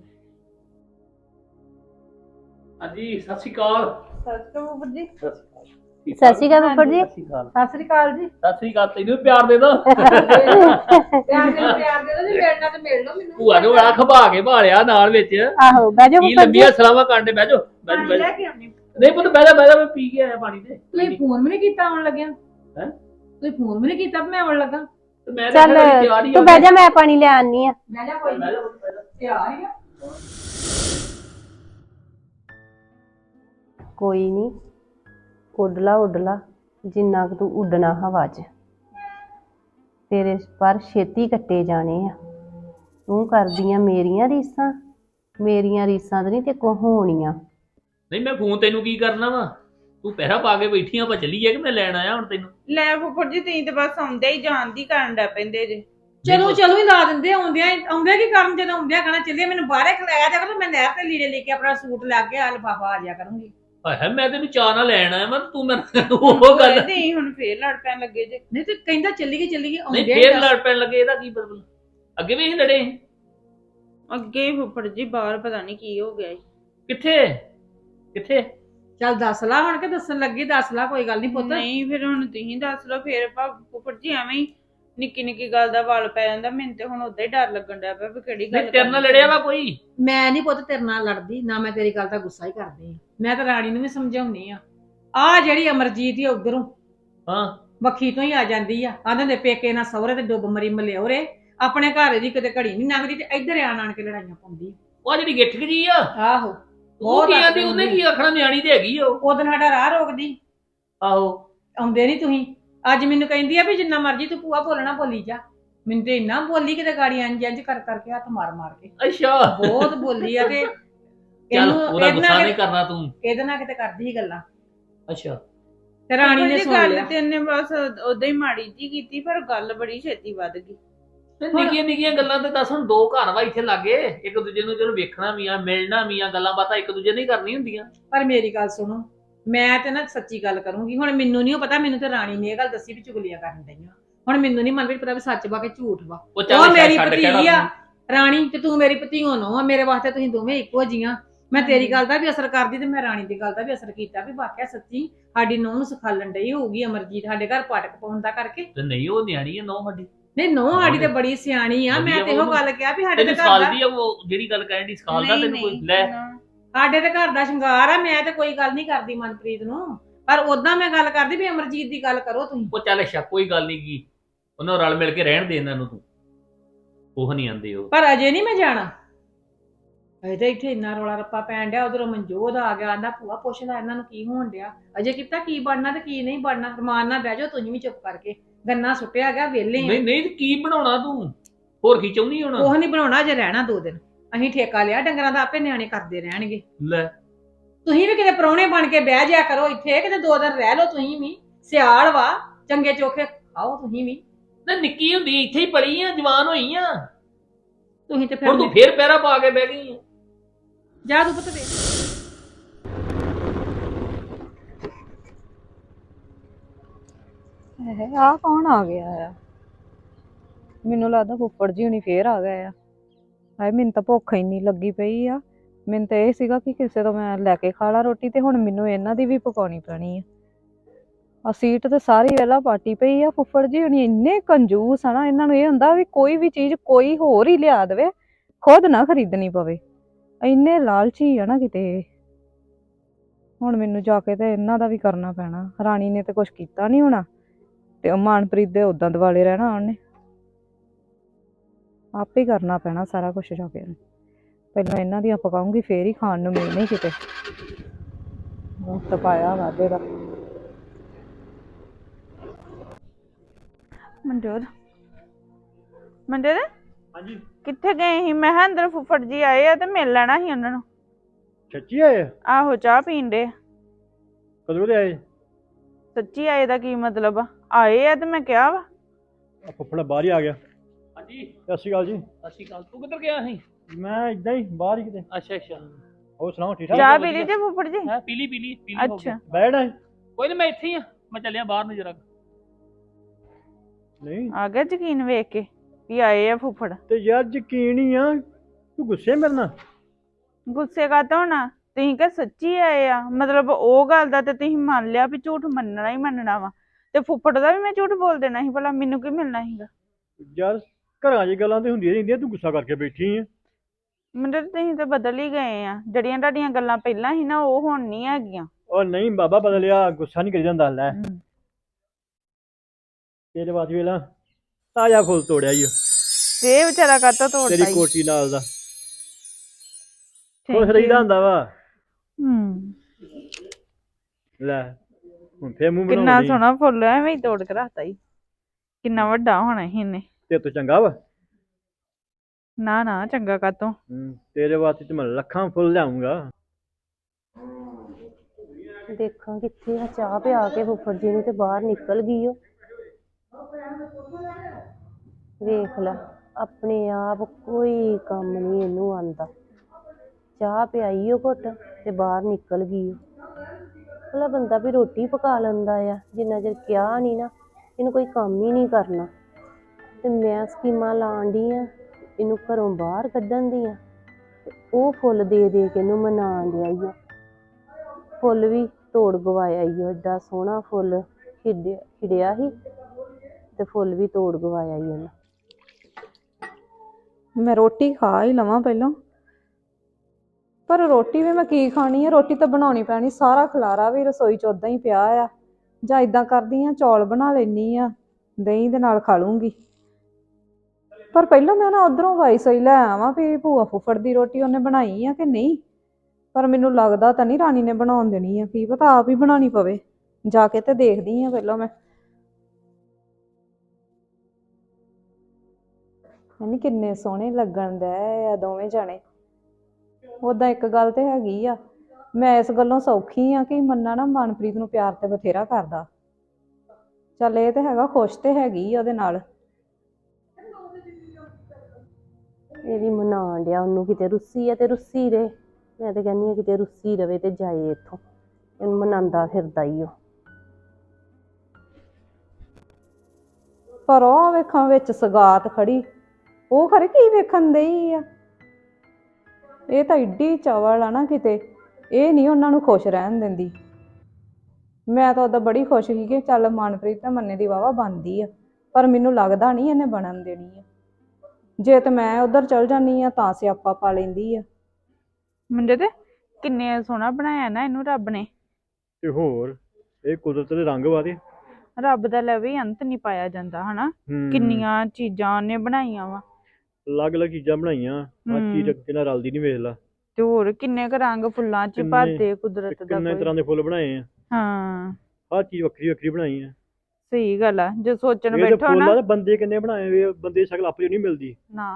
F: ਹਾਂਜੀ ਸਤਿ ਸ਼੍ਰੀ ਅਕਾਲ।
E: ਸਤਿ ਸ਼੍ਰੀ ਅਕਾਲ ਫੁੱਫੜ ਜੀ।
A: ਸਤਿ ਸ਼੍ਰੀ ਅਕਾਲ ਫੁੱਫੜ ਜੀ।
F: ਸਤਿ ਸ਼੍ਰੀ ਅਕਾਲ।
D: ਸਤਿ ਸ੍ਰੀ ਅਕਾਲ ਜੀ।
F: ਸਤਿ ਸ਼੍ਰੀ ਅਕਾਲ। ਤੈਨੂੰ ਵੀ ਪਿਆਰ ਦੇ ਦੋ।
D: ਪਿਆਰ ਦੇ ਦੋ ਜੀ, ਮਿਲਣਾ ਤੇ ਮਿਲ ਲਓ ਮੈਨੂੰ।
F: ਭੂਆ ਨੂੰ ਬੜਾ ਖਭਾ ਕੇ ਭਾਲਿਆ ਨਾਲ ਵਿੱਚ।
A: ਆਹੋ ਬਹਿ ਜਾਓ
F: ਕੀ
A: ਫੁੱਫੜ ਜੀ।
F: ਲੰਬੀਆਂ ਸਲਾਵਾਂ ਕਰਦੇ, ਬਹਿ ਜਾਓ
E: ਪਾਣੀ ਲੈ ਕੇ ਆਉਣੀ।
F: ਨਹੀਂ ਪੁੱਤ ਬਹਿ ਜਾ, ਮੈਂ ਪੀ ਕੇ ਆਇਆ ਪਾਣੀ ਤੇ।
D: ਤੁਸੀਂ ਫੋਨ ਵੀ ਨਹੀਂ ਕੀਤਾ ਆਉਣ ਲੱਗਿਆ?
F: ਹੈਂ?
D: ਤੁਸੀਂ ਫੋਨ ਵੀ ਨਹੀਂ ਕੀਤਾ ਵੀ ਮੈਂ ਆਉਣ ਲੱਗਾ?
F: ਤੇ ਮੈਂ
A: ਚੱਲ
F: ਤਾਂ ਘੜੀ ਤਿਆਰ ਹੀ
A: ਤੂੰ ਬਹਿ ਜਾ, ਮੈਂ ਪਾਣੀ ਲੈ ਆਨੀ ਆ।
D: ਮੈਂ ਜਾ ਕੋਈ
F: ਬਹਿ ਜਾ ਪੁੱਤ, ਬਹਿ ਜਾ।
D: ਤਿਆਰ ਹੀ ਆ।
A: ਕੋਈ ਨਹੀਂ, ਉੱਡਲਾ ਜਿੰਨਾ ਕੁ ਤੂੰ ਉੱਡਣਾ ਹਵਾ 'ਚ, ਤੇਰੇ ਪਰ ਛੇਤੀ ਕੱਟੇ ਜਾਣੇ ਆ। ਤੂੰ ਕਰਦੀਆਂ ਮੇਰੀਆਂ ਰੀਸਾਂ ਤਾਂ ਨਹੀਂ ਤੇ ਕੋ ਹੋਣੀਆਂ।
F: ਨਹੀਂ ਮੈਂ ਫੋਨ ਤੈਨੂੰ ਕੀ ਕਰਨਾ ਵਾ? ਤੂੰ ਪਹਿਰਾ ਪਾ ਕੇ ਬੈਠੀ ਆਪਾਂ ਚੱਲੀਏ ਕਿ ਮੈਂ ਲੈਣ ਆਇਆ ਹੁਣ ਤੈਨੂੰ?
E: ਲੈ ਫੁੱਫੜ ਜੀ ਤੁਸੀਂ ਤੇ ਬਸ ਆਉਂਦੇ ਹੀ ਜਾਣ ਦੀ ਕਰਨ ਡੈ ਪੈਂਦੇ ਜੇ।
D: ਚਲੋ ਹੀ ਲਾ ਦਿੰਦੇ, ਆਉਂਦੇ ਕੀ ਕਰਨ? ਜਦੋਂ ਆਉਂਦਿਆਂ ਕਹਿਣਾ ਚੱਲੀਏ, ਮੈਨੂੰ ਬਾਹਰੇ ਖਲਾਇਆ ਜਾ ਕਰ, ਮੈਂ ਨਹਿਰ ਤੇ ਲੀੜੇ ਲੈ ਕੇ ਆਪਣਾ ਸੂਟ ਲੈ ਕੇ ਆ ਲਿਫਾਫਾ ਆ ਜਾਇਆ ਕਰੂੰਗੀ।
F: ਹਾਏ ਮੈਂ ਤੈਨੂੰ ਚਾਹ ਨਾਲ ਲੈਣ ਆਇਆ ਮੈਂ, ਤੂੰ ਮੈਂ ਉਹ ਗੱਲ
E: ਨਹੀਂ ਹੁਣ ਫੇਰ ਲੜ ਪੈਣ ਲੱਗੇ ਜੇ।
D: ਨਹੀਂ ਤੇ ਕਹਿੰਦਾ ਚੱਲੀਏ
F: ਨਹੀਂ,
D: ਆਉਂਦੇ
F: ਫੇਰ ਲੜ ਪੈਣ ਲੱਗੇ, ਇਹਦਾ ਕੀ ਮਤਲਬ? ਅੱਗੇ ਵੀ ਅਸੀਂ ਲੜੇ ਸੀ।
E: ਅੱਗੇ ਫੁੱਫੜ ਜੀ ਬਾਹਰ ਪਤਾ ਨਹੀਂ ਕੀ ਹੋ ਗਿਆ ਈ।
F: ਕਿੱਥੇ?
D: ਚੱਲ ਦੱਸ ਲਾ ਹੁਣ, ਕਿ ਦੱਸਣ ਲੱਗੀ ਦੱਸ ਲਾ, ਕੋਈ ਗੱਲ ਨਹੀਂ ਪੁੱਤ।
E: ਨਹੀਂ ਫਿਰ ਹੁਣ ਤੁਸੀਂ ਦੱਸ ਲਓ। ਫੇਰ ਫੁੱਫੜ ਜੀ ਐਵੇਂ ਹੀ ਨਿੱਕੀ ਨਿੱਕੀ ਗੱਲ ਦਾ ਵੱਲ ਪੈ ਜਾਂਦਾ। ਮੈਨੂੰ ਤੇ ਹੁਣ ਉਦਾਂ ਹੀ ਡਰ ਲੱਗਣ ਡਿਆ ਪਿਆ ਵੀ ਕਿਹੜੀ ਗੱਲ
F: ਨਹੀਂ ਤੇਰੇ ਨਾਲ ਲੜਿਆ ਵਾ ਕੋਈ?
D: ਮੈਂ ਨਹੀਂ ਪੁੱਤ ਤੇਰੇ ਨਾਲ ਲੜਦੀ, ਨਾ ਮੈਂ ਤੇਰੀ ਗੱਲ ਦਾ ਗੁੱਸਾ ਹੀ ਕਰਦੀ ਆ। ਮੈਂ ਤਾਂ ਰਾਣੀ ਨੂੰ ਵੀ ਸਮਝਾਉਣੀ ਆ ਜਿਹੜੀ ਅਮਰਜੀਤ ਹੀ ਉਧਰੋਂ
F: ਹਾਂ
D: ਵੱਖੀ ਤੋਂ ਹੀ ਆ ਜਾਂਦੀ ਆ। ਆਂਦੇ ਦੇ ਪੇਕੇ ਨਾਲ ਸਹੁਰੇ ਤੇ ਡੁੱਬ ਮਰੀ ਮਲਿਓਰੇ, ਆਪਣੇ ਘਰ ਦੀ ਕਿਤੇ ਘੜੀ ਨਹੀਂ ਲੰਘਦੀ, ਤੇ ਇੱਧਰ ਆਣ ਕੇ ਲੜਾਈਆਂ ਪਾਉਂਦੀ।
F: ਉਹ ਜਿਹੜੀ ਗਿੱਠ ਜੀ ਆ,
D: ਆਹੋ
F: ਉਹ ਕੀ ਆਂਦੀ? ਉਹਨੇ ਕੀ ਆਖਣਾ? ਨਿਆਣੀ ਤੇ ਹੈਗੀ ਉਹ।
D: ਉਹ ਦਿਨ ਸਾਡਾ ਰਾਹ ਰੋਕਦੀ।
F: ਆਹੋ
D: ਆਉਂਦੇ ਨਹੀਂ ਤੁਸੀਂ। ਅੱਜ ਮੈਨੂੰ ਕਹਿੰਦੀ ਆ ਵੀ ਜਿੰਨਾ ਮਰਜ਼ੀ ਤੂੰ ਭੂਆ ਬੋਲਣਾ ਬੋਲੀ ਜਾ। ਮੈਨੂੰ ਤੇ ਇੰਨਾ ਬੋਲੀ ਕਿਤੇ ਗਾੜੀ ਇੰਜ ਕਰ ਕਰਕੇ ਹੱਥ ਮਾਰ ਕੇ
F: ਅੱਛਾ
D: ਬਹੁਤ ਬੋਲੀ ਆ। ਤੇ
F: ਚੱਲ ਉਹਦਾ ਗੁੱਸਾ ਨਹੀਂ ਕਰਨਾ ਤੂੰ।
D: ਇਹਦੇ ਨਾਲ ਕਿਤੇ ਕਰਦੀ ਸੀ ਗੱਲਾਂ,
F: ਅੱਛਾ
D: ਤੇ ਰਾਣੀ ਨੇ ਸੁਣ
E: ਗੱਲ
D: ਲਿਆ।
E: ਤੇ ਇਹਨੇ ਬਸ ਉਦਾਂ ਹੀ ਮਾੜੀ ਜੀ ਕੀਤੀ, ਪਰ ਗੱਲ ਬੜੀ ਛੇਤੀ ਵੱਧ ਗਈ।
F: ਤੇ ਨਿੱਕੀਆਂ ਗੱਲਾਂ ਤੇ ਦੱਸ, ਹੁਣ ਦੋ ਘਰ ਵਾ ਇੱਥੇ ਲਾਗੇ, ਇੱਕ ਦੂਜੇ ਨੂੰ ਚਲੋ ਵੇਖਣਾ ਵੀ ਆ, ਮਿਲਣਾ ਵੀ ਆ, ਗੱਲਾਂ ਬਾਤਾਂ ਇੱਕ ਦੂਜੇ ਨਹੀਂ ਕਰਨੀ ਹੁੰਦੀਆਂ।
D: ਪਰ ਮੇਰੀ ਗੱਲ ਸੁਣੋ, ਮੈਂ ਤੇ ਨਾ ਸੱਚੀ ਗੱਲ ਕਰੂੰਗੀ। ਹੁਣ ਮੈਨੂੰ ਨਹੀਂ ਪਤਾ, ਮੈਨੂੰ ਤੇ ਰਾਣੀ ਨੇ ਇਹ ਗੱਲ ਦੱਸੀ ਵੀ ਚੁਗਲੀਆਂ ਕਰਨ ਡਈਆਂ। ਹੁਣ ਮੈਨੂੰ ਨਹੀਂ ਮਨ ਵੀ ਪਤਾ ਵੀ ਸੱਚ ਵਾ ਕਿ ਝੂਠ ਵਾ। ਉਹ ਮੇਰੀ ਭਤੀਜੀ ਆ ਰਾਣੀ, ਤੇ ਤੂੰ ਮੇਰੀ ਭਤੀਓ ਨੋ ਆ। ਮੇਰੇ ਵਾਸਤੇ ਤੁਸੀਂ ਦੋਵੇਂ ਇੱਕੋ ਜੀਆਂ। ਮੈਂ ਤੇਰੀ ਗੱਲ ਦਾ ਵੀ ਅਸਰ ਕਰਦੀ, ਤੇ ਮੈਂ ਰਾਣੀ ਦੀ ਗੱਲ ਦਾ ਵੀ ਅਸਰ ਕੀਤਾ ਵੀ ਵਾਕਿਆ ਸੱਚੀ ਸਾਡੀ ਨੂੰਹ ਨੂੰ ਸਿਖਾਲਣ ਡਈ ਹੋਊਗੀ ਅਮਰਜੀਤ ਸਾਡੇ ਘਰ ਪਟਕ ਪਾਉਣ ਦਾ ਕਰਕੇ।
F: ਤੇ ਨਹੀਂ ਉਹ ਨਿਆਣੀ ਆ ਨੋ ਸਾਡੀ।
D: ਨਹੀਂ ਨੂੰਹ ਸਾਡੀ ਤੇ ਬੜੀ ਸਿਆਣੀ ਆ। ਮੈਂ ਤੇ ਇਹੋ ਗੱਲ ਕਿਹਾ ਵੀ ਸਾਡੇ ਤੇ
F: ਤੈਨੂੰ
D: ਘਰ ਦਾ
F: ਸਿਖਾਲਦੀ ਆ ਉਹ ਜਿਹੜੀ ਗੱਲ ਕਹਿਣ ਦੀ, ਸਿਖਾਲਦਾ ਤੈਨੂੰ ਕੋਈ? ਲੈ
D: ਸਾਡੇ ਤੇ ਘਰ ਦਾ ਸ਼ਿੰਗਾਰ ਆ। ਮੈਂ ਤੇ ਕੋਈ ਗੱਲ ਨਹੀਂ ਕਰਦੀ ਮਨਪ੍ਰੀਤ ਨੂੰ, ਪਰ ਉਦਾਂ ਮੈਂ ਗੱਲ ਕਰਦੀ ਵੀ ਅਮਰਜੀਤ ਦੀ ਗੱਲ ਕਰੋ ਤੁਸੀਂ।
F: ਉਹ ਚੱਲ ਅੱਛਾ ਕੋਈ ਗੱਲ ਨਹੀਂ ਕੀ, ਉਹਨਾਂ ਰਲ ਮਿਲ ਕੇ ਰਹਿਣ ਦੇ ਇਹਨਾਂ ਨੂੰ, ਤੂੰ ਉਹ ਨਹੀਂ ਆਂਦੇ ਉਹ।
D: ਪਰ ਅਜੇ ਨਹੀਂ ਮੈਂ ਜਾਣਾ। ਅਜੇ ਤਾਂ ਇੱਥੇ ਇੰਨਾ ਰੌਲਾ ਰੱਪਾ ਪੈਣ ਡਿਆ। ਉਧਰੋਂ ਮਨਜੋਤ ਆ ਗਿਆ, ਆਂਦਾ ਭੂਆ ਪੁੱਛਦਾ ਇਹਨਾਂ ਨੂੰ ਕੀ ਹੋਣ ਡਿਆ। ਅਜੇ ਕਿਤਾ ਕੀ ਬਣਨਾ ਤੇ ਕੀ ਨਹੀਂ ਬਣਨਾ। ਰਮਾਨ ਨਾਲ ਬਹਿ ਜਾਓ ਤੁਸੀਂ ਵੀ ਚੁੱਪ ਕਰਕੇ। ਗੰਨਾ ਸੁੱਟਿਆ ਗਿਆ, ਵਿਹਲੇ ਆ।
F: ਨਹੀਂ ਤੇ ਕੀ ਬਣਾਉਣਾ ਤੂੰ? ਹੋਰ ਕੀ ਚਾਹੁੰਦੀ ਹੁਣ?
D: ਉਹ ਨਹੀਂ ਬਣਾਉਣਾ, ਅਜੇ ਰਹਿਣਾ 2 ਦਿਨ। ਅਸੀਂ ਠੇਕਾ ਲਿਆ ਡੰਗਰਾਂ ਦਾ, ਆਪੇ ਨਿਆਣੇ ਕਰਦੇ ਰਹਿਣਗੇ।
F: ਲੈ
D: ਤੁਸੀਂ ਵੀ ਕਿਤੇ ਪ੍ਰਾਹੁਣੇ ਬਣ ਕੇ ਬਹਿ ਜਾਇਆ ਕਰੋ ਇੱਥੇ, ਕਿਤੇ 2 ਦਿਨ ਰਹਿ ਲਓ ਤੁਸੀਂ ਵੀ। ਸਿਆਲ ਵਾ, ਚੰਗੇ ਚੋਖੇ ਖਾਓ ਤੁਸੀਂ ਵੀ।
F: ਨਾ ਨਿੱਕੀ ਹੁੰਦੀ ਇੱਥੇ ਹੀ ਪੜੀ ਆ, ਜਵਾਨ ਹੋਈ ਆ,
D: ਤੁਸੀਂ ਤੇ
F: ਹੁਣ ਤੂੰ
D: ਫਿਰ
F: ਫੇਰ ਪਹਿਰਾ ਪਾ ਕੇ ਬਹਿ ਗਈ ਆ।
D: ਜਾ ਤੂੰ ਪੁੱਤ ਦੇ।
G: ਆ ਕੌਣ ਆ ਗਿਆ ਆ? ਮੈਨੂੰ ਲੱਗਦਾ ਫੁੱਫੜ ਜੀ ਹੁਣੀ ਫੇਰ ਆ ਗਏ ਆ। ਹਾਏ ਮੈਨੂੰ ਤਾਂ ਭੁੱਖ ਇੰਨੀ ਲੱਗੀ ਪਈ ਆ। ਮੈਨੂੰ ਤਾਂ ਇਹ ਸੀਗਾ ਕਿ ਕਿਸੇ ਤੋਂ ਮੈਂ ਲੈ ਕੇ ਖਾ ਲਾ ਰੋਟੀ, ਤੇ ਹੁਣ ਮੈਨੂੰ ਇਹਨਾਂ ਦੀ ਵੀ ਪਕਾਉਣੀ ਪੈਣੀ ਆ। ਸੀਟ ਤੇ ਸਾਰੀ ਵੇਲਾ ਪਾਟੀ ਪਈ ਆ। ਫੁੱਫੜ ਜੀ ਹੁਣੀ ਇੰਨੇ ਕੰਜੂਸ ਆ ਨਾ, ਇਹਨਾਂ ਨੂੰ ਇਹ ਹੁੰਦਾ ਵੀ ਕੋਈ ਵੀ ਚੀਜ਼ ਕੋਈ ਹੋਰ ਹੀ ਲਿਆ ਦੇਵੇ, ਖੁਦ ਨਾ ਖਰੀਦਣੀ ਪਵੇ। ਇੰਨੇ ਲਾਲਚੀ ਆ ਨਾ ਕਿਤੇ। ਹੁਣ ਮੈਨੂੰ ਜਾ ਕੇ ਤੇ ਇਹਨਾਂ ਦਾ ਵੀ ਕਰਨਾ ਪੈਣਾ। ਰਾਣੀ ਨੇ ਤੇ ਕੁਝ ਕੀਤਾ ਨਹੀਂ ਹੋਣਾ ਤੇ ਉਹ ਮਨਪ੍ਰੀਤ ਦੇ ਉਦਾਂ ਦਿਵਾਲੇ ਰਹਿਣਾ ਉਹਨੇ। ਆਪੇ ਹੀ ਕਰਨਾ ਪੈਣਾ ਸਾਰਾ ਕੁਝ ਜਾ ਕੇ। ਪਹਿਲਾਂ ਇਹਨਾਂ ਦੀਆਂ ਪਕਾਉਂਗੀ ਫੇਰ ਹੀ ਖਾਣ ਨੂੰ ਮਿਲਣੀ ਕਿਤੇ। ਮੂੰਹ ਪਾਇਆ ਵਾਦੇ ਦਾ।
E: ਮਨਜੋਤ ਮਨਜੋਤ
B: ਹਾਂਜੀ
E: ਕਿੱਥੇ ਗਏ ਸੀ? ਮੈਂ ਕਿਹਾ ਅੰਦਰ ਫੁੱਫੜ ਜੀ ਆਏ ਆ ਤੇ ਮਿਲ ਲੈਣਾ ਸੀ ਉਹਨਾਂ ਨੂੰ।
B: ਸੱਚੀ ਆਏ ਆ?
E: ਆਹੋ ਚਾਹ ਪੀਣ ਦੇ।
B: ਕਦੋਂ ਦੇ ਆਏ?
E: ਸੱਚੀ ਆਏ ਦਾ ਕੀ ਮਤਲਬ ਆ? ਆਏ ਆ ਤੇ ਮੈਂ ਕਿਹਾ ਵਾ।
B: ਆ ਫੁੱਫੜਾ ਬਾਹਰ ਹੀ ਆ ਗਿਆ।
F: ਹਾਂਜੀ
B: ਸਤਿ ਸ਼੍ਰੀ ਅਕਾਲ ਜੀ।
F: ਸਤਿ ਸ਼੍ਰੀ ਅਕਾਲ। ਤੂੰ ਕਿੱਧਰ ਗਿਆ ਸੀ?
B: ਮੈਂ ਇਦਾਂ ਹੀ ਬਾਹਰ ਹੀ ਕਿਤੇ।
F: ਅੱਛਾ ਅੱਛਾ।
B: ਹੋਰ ਸੁਣਾਓ ਠੀਕ ਠਾਕ?
E: ਚਾਹ ਪੀ ਲਈ ਜੇ ਫੁੱਫੜ ਜੀ?
F: ਹੈ ਪੀਲੀ ਪੀਲੀ ਪੀਲੀ ਹੋ
E: ਅੱਛਾ
F: ਗਿਆ।
B: ਬੈਠ ਆਏ?
F: ਕੋਈ ਨਹੀਂ ਮੈਂ ਇੱਥੇ ਹੀ ਆ। ਮੈਂ ਚੱਲਿਆ ਬਾਹਰ ਨੂੰ ਜਰਾ।
B: ਨਹੀਂ
E: ਆ ਗਿਆ ਯਕੀਨ ਵੇਖ ਕੇ ਵੀ ਆਏ ਆ ਫੁੱਫੜ?
B: ਤੇ ਯਾਰ ਯਕੀਨ ਹੀ ਆ। ਤੂੰ ਗੁੱਸੇ ਮੇਰੇ ਨਾਲ?
E: ਗੁੱਸੇ ਕਾਹਤੋਂ ਹੋਣਾ? ਤੁਸੀਂ ਕਿ ਸੱਚੀ ਆਏ ਆ? ਮਤਲਬ ਉਹ ਗੱਲ ਦਾ ਤੇ ਤੁਸੀਂ ਮੰਨ ਲਿਆ ਵੀ ਝੂਠ ਮੰਨਣਾ ਹੀ ਮੰਨਣਾ ਵਾ, ਤੇ ਫੁੱਫੜ ਦਾ ਵੀ ਮੈਂ ਝੂਠ ਬੋਲ ਦੇਣਾ ਸੀ? ਭਲਾ ਮੈਨੂੰ ਕੀ ਮਿਲਣਾ ਸੀਗਾ?
B: ਯਾਰ ਘਰਾਂ 'ਚ ਗੱਲਾਂ ਤੇ ਹੁੰਦੀਆਂ ਰਹਿੰਦੀਆਂ, ਤੂੰ ਗੁੱਸਾ ਕਰਕੇ ਬੈਠੀ ਆ।
E: ਮੈਨੂੰ ਤਾਂ ਤੁਸੀਂ ਤਾਂ ਬਦਲ ਹੀ ਗਏ ਆ। ਜਿਹੜੀਆਂ ਤੁਹਾਡੀਆਂ ਗੱਲਾਂ ਪਹਿਲਾਂ ਸੀ ਨਾ ਉਹ ਹੁਣ ਨਹੀਂ ਹੈਗੀਆਂ।
B: ਉਹ ਨਹੀਂ ਬਾਬਾ ਬਦਲਿਆ, ਗੁੱਸਾ ਨਹੀਂ ਕਰੀ ਜਾਂਦਾ। ਲੈ ਤੇਰੇ ਬਾਅਦ ਵੇਲਾ ਤਾਜ਼ਾ ਫੁੱਲ ਤੋੜਿਆ ਈ ਓ।
E: ਤੇ ਇਹ ਵਿਚਾਰਾ ਕਾਹਤੋਂ ਤੋੜਦਾ
B: ਤੇਰੀ
E: ਈ?
B: ਕੋਟੀ ਨਾਲ ਦਾ
E: Thank
B: ਖੁਸ਼
E: you.
B: ਰਹੀਦਾ ਹੁੰਦਾ ਵਾ। ਲੈ ਹੁਣ ਫੇਰ ਮੂੰਹ
E: ਕਿੰਨਾ
B: ਬਣਾਉਂਦੀ
E: ਸੋਹਣਾ ਫੁੱਲ ਐਵੇਂ ਹੀ ਤੋੜ ਕੇ ਰੱਖਤਾ ਈ। ਕਿੰਨਾ ਵੱਡਾ ਹੋਣਾ ਸੀ ਇਹਨੇ।
B: ਤੇ ਤੂੰ ਚੰਗਾ ਵਾ।
E: ਨਾ ਨਾ ਚੰਗਾ ਕਾਹਤੋਂ?
B: ਤੇਰੇ ਵਾਸਤੇ ਤੇ ਮੈਂ ਲੱਖਾਂ ਫੁੱਲ ਲਿਆਉਂਗਾ।
A: ਦੇਖਾਂ ਕਿੱਥੇ ਆ। ਚਾਹ ਪਿਆ ਕੇ ਫੁੱਫੜ ਜੀ ਨੂੰ ਤੇ ਬਾਹਰ ਨਿਕਲ ਗਈ ਉਹ। ਵੇਖ ਲੈ ਆਪਣੇ ਆਪ ਕੋਈ ਕੰਮ ਨਹੀਂ ਇਹਨੂੰ ਆਉਂਦਾ। ਚਾਹ ਪਿਆਈ ਉਹ ਘੁੱਟ ਤੇ ਬਾਹਰ ਨਿਕਲ ਗਈ ਉਹ। ਭਲਾ ਬੰਦਾ ਵੀ ਰੋਟੀ ਪਕਾ ਲੈਂਦਾ ਆ। ਜਿੰਨਾ ਚਿਰ ਕਿਹਾ ਨਹੀਂ ਨਾ ਇਹਨੂੰ ਕੋਈ ਕੰਮ ਹੀ ਨਹੀਂ ਕਰਨਾ, ਤੇ ਮੈਂ ਸਕੀਮਾਂ ਲਾਉਣ ਡਈ ਆ ਇਹਨੂੰ ਘਰੋਂ ਬਾਹਰ ਕੱਢਣ ਦੀਆਂ। ਉਹ ਫੁੱਲ ਦੇ ਦੇ ਕੇ ਇਹਨੂੰ ਮਨਾਉਣ ਡਿਆ ਈ ਆ। ਫੁੱਲ ਵੀ ਤੋੜ ਗਵਾਇਆ ਈ ਉਹ। ਏਡਾ ਸੋਹਣਾ ਫੁੱਲ ਖਿੜਿਆ ਸੀ ਤੇ ਫੁੱਲ ਵੀ ਤੋੜ ਗਵਾਇਆ ਈ ਉਹਨੇ।
G: ਮੈਂ ਰੋਟੀ ਖਾ ਹੀ ਲਵਾਂ ਪਹਿਲਾਂ, ਪਰ ਰੋਟੀ ਵੀ ਮੈਂ ਕੀ ਖਾਣੀ ਆ? ਰੋਟੀ ਤਾਂ ਬਣਾਉਣੀ ਪੈਣੀ। ਸਾਰਾ ਖਲਾਰਾ ਵੀ ਰਸੋਈ 'ਚ ਉਦਾਂ ਹੀ ਪਿਆ ਆ। ਜਾਂ ਇਦਾਂ ਕਰਦੀ ਆ ਚੌਲ ਬਣਾ ਲੈਣੀ ਆ, ਦਹੀਂ ਦੇ ਨਾਲ ਖਾ ਲੂੰਗੀ। ਪਰ ਪਹਿਲਾਂ ਮੈਂ ਨਾ ਉਧਰੋਂ ਵਾਈਸ ਹੀ ਲੈ ਆਵਾਂ ਵੀ ਭੂਆ ਫੁੱਫੜ ਦੀ ਰੋਟੀ ਉਹਨੇ ਬਣਾਈ ਆ ਕਿ ਨਹੀਂ। ਪਰ ਮੈਨੂੰ ਲੱਗਦਾ ਤਾਂ ਨਹੀਂ ਰਾਣੀ ਨੇ ਬਣਾਉਣ ਦੇਣੀ ਆ। ਕੀ ਪਤਾ ਆਪ ਹੀ ਬਣਾਉਣੀ ਪਵੇ। ਜਾ ਕੇ ਤੇ ਦੇਖਦੀ ਆ ਪਹਿਲਾਂ ਮੈਂ। ਕਹਿੰਦੀ ਕਿੰਨੇ ਸੋਹਣੇ ਲੱਗਣ ਦੇ ਆ ਦੋਵੇਂ ਜਾਣੇ। ਉਦਾਂ ਇੱਕ ਗੱਲ ਤੇ ਹੈਗੀ ਆ, ਮੈਂ ਇਸ ਗੱਲੋਂ ਸੌਖੀ ਆ ਕਿ ਮੰਨਾ ਨਾ ਮਨਪ੍ਰੀਤ ਨੂੰ ਪਿਆਰ ਤੇ ਬਥੇਰਾ ਕਰਦਾ। ਚੱਲ ਇਹ ਤੇ ਹੈਗਾ, ਖੁਸ਼ ਤੇ ਹੈਗੀ ਆ ਉਹਦੇ ਨਾਲ।
A: ਇਹ ਵੀ ਮਨਾਉਣ ਡਿਆ ਉਹਨੂੰ। ਕਿਤੇ ਰੁੱਸੀ ਆ ਤੇ ਰੁੱਸੀ ਰਹੇ। ਮੈਂ ਤੇ ਕਹਿੰਦੀ ਆ ਕਿਤੇ ਰੁੱਸੀ ਰਵੇ ਤੇ ਜਾਏ ਇੱਥੋਂ। ਇਹਨੂੰ ਮਨਾਉਂਦਾ ਫਿਰਦਾ ਈ ਉਹ।
G: ਪਰ ਉਹ ਵੇਖਾਂ ਵਿੱਚ ਸਗਾਤ ਖੜੀ, ਉਹ ਖਰੇ ਕੀ ਵੇਖਣ ਡਈ ਆ। ਇਹ ਤਾਂ ਏਡੀ ਚਵਲ ਆ ਨਾ ਕਿਤੇ, ਇਹ ਨਹੀਂ ਉਹਨਾਂ ਨੂੰ ਖੁਸ਼ ਰਹਿਣ ਦਿੰਦੀ। ਮੈਂ ਤਾਂ ਉਦੋਂ ਬੜੀ ਖੁਸ਼ ਸੀ ਕਿ ਚੱਲ ਮਨਪ੍ਰੀਤ ਤਾਂ ਮੰਨੇ ਦੀ ਵਾਹਵਾ ਬਣਦੀ ਆ, ਪਰ ਮੈਨੂੰ ਲੱਗਦਾ ਨਹੀਂ ਇਹਨੇ ਬਣਨ ਦੇਣੀ ਆ। ਜੇ ਤੇ ਮੈਂ ਉਧਰ ਚਲ ਜਾਂਦੀ ਆ ਤਾਂ ਸਿਆਪਾ ਪਾ ਲੈਂਦੀ ਆ।
E: ਮੁੰਡੇ ਤੇ ਕਿੰਨੇ ਸੋਹਣਾ ਬਣਾਇਆ ਨਾ ਇਹਨੂੰ ਰੱਬ ਨੇ।
B: ਤੇ ਹੋਰ ਇਹ ਕੁਦਰਤ ਦੇ ਰੰਗ ਵਾਦੇ।
E: ਰੱਬ ਦਾ ਲਵੇ ਅੰਤ ਨਹੀਂ ਪਾਇਆ ਜਾਂਦਾ ਹਨਾ। ਕਿੰਨੀਆਂ ਚੀਜ਼ਾਂ ਉਹਨੇ ਬਣਾਈਆਂ ਵਾ।
B: ਅਲੱਗ-ਅਲੱਗ ਚੀਜ਼ਾਂ ਬਣਾਈਆਂ। ਆ ਚੀਜ਼ ਕਿੰਨਾ ਰਲਦੀ ਨਹੀਂ ਵੇਖ ਲਾ।
E: ਤੇ ਹੋਰ ਕਿੰਨੇ ਕੁ ਰੰਗ ਫੁੱਲਾਂ 'ਚ ਭਰਦੇ ਕੁਦਰਤ ਦਾ।
B: ਕਿੰਨੇ ਤਰ੍ਹਾਂ ਦੇ ਫੁੱਲ ਬਣਾਏ ਆ।
E: ਹਾਂ
B: ਹਰ ਚੀਜ਼ ਵੱਖਰੀ ਵੱਖਰੀ ਬਣਾਈ ਆ।
E: ਸਹੀ ਗੱਲ ਆ। ਜੇ ਸੋਚਣ
B: ਇਹ
E: ਬੈਠੋ ਨਾ।
B: ਫੁੱਲ ਬੰਦੇ ਕਿੰਨੇ ਬਣਾਏ ਵੇ। ਬੰਦੇ ਦੀ ਸ਼ਕਲ ਆਪੇ ਨਹੀਂ ਮਿਲਦੀ
E: ਨਾ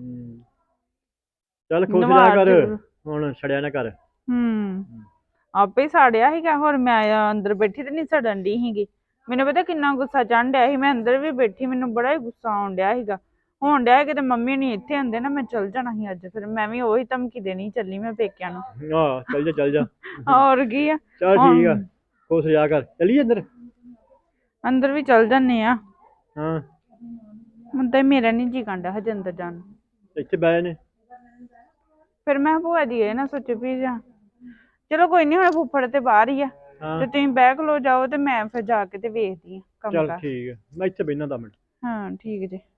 B: ਚੱਲ ਖੁਸ਼ ਰਿਹਾ ਕਰ ਹੁਣ, ਛੜਿਆ ਨਾ ਕਰ।
E: ਆਪੇ ਹੀ ਸਾੜਿਆ ਸੀਗਾ। ਹੋਰ ਮੈਂ ਅੰਦਰ ਬੈਠੀ ਤੇ ਨਹੀਂ ਸੜਨ ਡਈ ਸੀਗੀ। ਮੈਨੂੰ ਪਤਾ ਕਿੰਨਾ ਗੁੱਸਾ ਚੜ੍ਹਨ ਡਿਆ ਸੀ। ਮੈਂ ਅੰਦਰ ਵੀ ਬੈਠੀ, ਮੈਨੂੰ ਬੜਾ ਹੀ ਗੁੱਸਾ ਆਉਣ ਡਿਆ ਸੀਗਾ। ਹੋਣ ਡਿਆ ਕਿਤੇ ਮੰਮੀ ਨਹੀਂ ਇੱਥੇ ਹੁੰਦੇ ਨਾ ਮੈਂ ਚੱਲ ਜਾਣਾ ਸੀ ਅੱਜ। ਫਿਰ ਮੈਂ ਵੀ ਉਹੀ ਧਮਕੀ ਦੇਣੀ ਚੱਲੀ ਮੈਂ ਪੇਕਿਆਂ ਨੂੰ।
B: ਚੱਲ ਜਾ ਚੱਲ ਜਾ।
E: ਹੋਰ ਕੀ ਆ।
B: ਚੱਲ ਠੀਕ ਆ, ਖੁਸ਼ ਰਿਹਾ ਕਰ। ਚੱਲੀਏ ਅੰਦਰ?
E: ਅੰਦਰ ਵੀ ਚੱਲ ਜਾਂਦੇ ਆ।
B: ਹਾਂ
E: ਹੁਣ ਤਾਂ ਮੇਰਾ ਨਹੀਂ ਜੀ ਕਰਦਾ ਹਜੇ ਅੰਦਰ ਜਾਣ ਨੂੰ।
B: ਇੱਥੇ ਬਹਿ ਨੇ।
E: ਫਿਰ ਮੈਂ ਭੂਆ ਜੀ ਇਹ ਨਾ ਸੋਚੇ ਵੀ ਜਾ। ਚਲੋ ਕੋਈ ਨਹੀਂ, ਹੁਣ ਫੁੱਫੜ ਤੇ ਬਾਹਰ ਹੀ ਆ ਤੇ ਤੁਸੀਂ ਬਹਿ ਖਲੋ ਜਾਓ ਤੇ ਮੈਂ ਫਿਰ ਜਾ ਕੇ ਤੇ ਵੇਖਦੀ ਆ ਕੰਮ
B: ਚੱਲ
E: ਕਾਰ।
B: ਠੀਕ ਆ, ਮੈਂ ਇੱਥੇ ਬਹਿਣਾ 10 ਮਿੰਟ।
E: ਹਾਂ ਠੀਕ ਜੀ।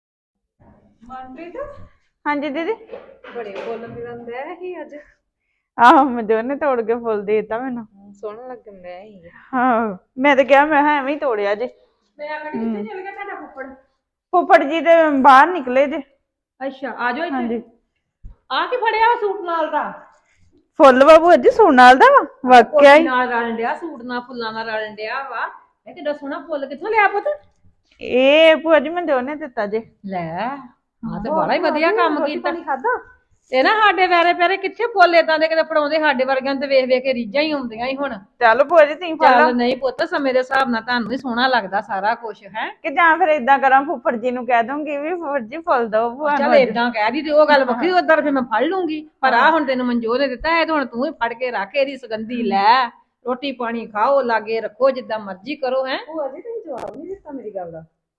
E: ਮਨਪ੍ਰੀਤ। ਹਾਂਜੀ ਦੀਦੀ।
G: ਬੜੇ ਬੋਲ ਮਿਲਣ ਦੇ ਹੀ ਅੱਜ।
E: ਆਹੋ ਮਨਜੋਤ ਨੇ ਤੋੜ ਕੇ ਫੁੱਲ ਦੇ ਦਿੱਤਾ ਮੈਨੂੰ।
D: ਸੋਹਣਾ ਲੱਗਣ ਡਿਆ ਸੀ।
E: ਹਾਂ ਮੈਂ ਤੇ ਕਿਹਾ ਮੈਂ ਕਿਹਾ ਐਵੇਂ ਹੀ ਤੋੜਿਆ ਜੇ।
D: ਮੈਂ ਆਖਣੀ ਕਿੱਥੇ ਚਲ ਗਿਆ ਤੁਹਾਡਾ ਫੁੱਫੜ?
E: ਫੁੱਫੜ ਜੀ ਤੇ ਬਾਹਰ ਨਿਕਲੇ ਜੇ।
D: ਅੱਛਾ ਆ ਜਾਓ ਇੱਥੇ।
E: ਹਾਂਜੀ
D: ਆ ਕੀ ਫੜਿਆ ਵਾ ਸੂਟ ਨਾਲ ਦਾ?
E: ਫੁੱਲ ਬਾਬੂ ਅੱਜ ਸੂਟ ਨਾਲ ਦਾ ਵਾ ਵਾਕਿਆ ਹੀ।
D: ਨਾਲ ਰਲਣ ਡਿਆ ਸੂਟ ਨਾਲ ਫੁੱਲਾਂ ਨਾਲ ਰਲਣ ਡਿਆ ਵਾ। ਇਹ ਕਿੱਡਾ ਸੋਹਣਾ ਫੁੱਲ ਕਿੱਥੋਂ ਲਿਆ ਪੁੱਤ?
E: ਇਹ ਭੂਆ ਜੀ ਮਨਜੋਤ ਨੇ ਦਿੱਤਾ ਜੇ।
D: ਲੈ ਆ ਤੇ ਬੜਾ ਹੀ ਵਧੀਆ ਕੰਮ ਕੀਤਾ।
B: ਖਾਦਾ
D: ਤੇ ਨਾ ਸਾਡੇ ਵੈਰੇ ਪਿਆਰੇ ਕਿੱਥੇ ਫੁੱਲ ਏਦਾਂ ਦੇ ਕਿਤੇ ਫੜਾਉਂਦੇ, ਸਾਡੇ ਵਰਗਿਆਂ ਨੂੰ ਤੇ ਵੇਖ ਵੇਖ ਕੇ ਰੀਝਾਂ ਹੀ ਆਉਂਦੀਆਂ ਹੀ ਹੁਣ।
E: ਚੱਲ ਭੂਆ ਜੀ ਤੁਸੀਂ ਫੜ ਲਓ।
D: ਚੱਲ ਨਹੀਂ ਪੁੱਤ ਸਮੇਂ ਦੇ ਹਿਸਾਬ ਨਾਲ ਤੁਹਾਨੂੰ ਵੀ ਸੋਹਣਾ ਲੱਗਦਾ ਸਾਰਾ ਕੁਝ ਹੈ।
E: ਕਿ ਜਾਂ ਫਿਰ ਏਦਾਂ ਕਰਾਂ ਫੁੱਫੜ ਜੀ ਨੂੰ ਕਹਿ ਦੂੰਗੀ ਵੀ ਫੁੱਫੜ ਜੀ ਫੁੱਲ ਦੋ ਭੂਆ
D: ਚੱਲ
E: ਨੂੰ।
D: ਏਦਾਂ ਕਹਿ ਦੀ ਤੇ ਉਹ ਗੱਲ ਵੱਖਰੀ, ਉਧਰ ਫਿਰ ਮੈਂ ਫੜ ਲੂੰਗੀ। ਪਰ ਆ ਹੁਣ ਤੈਨੂੰ ਮਨਜੋਤ ਨੇ ਦਿੱਤਾ, ਇਹ ਤਾਂ ਹੁਣ ਤੂੰ ਹੀ ਫੜ ਕੇ ਰੱਖ, ਇਹਦੀ ਸੁਗੰਧੀ ਲੈ, ਰੋਟੀ ਪਾਣੀ ਖਾਓ, ਲਾਗੇ ਰੱਖੋ, ਜਿੱਦਾਂ ਮਰਜ਼ੀ ਕਰੋ। ਹੈ
B: ਭੂਆ ਜੀ ਤੁਸੀਂ ਜਵਾਬ ਨਹੀਂ ਦਿੱਤਾ ਮੇਰੀ ਗੱਲ ਦਾ।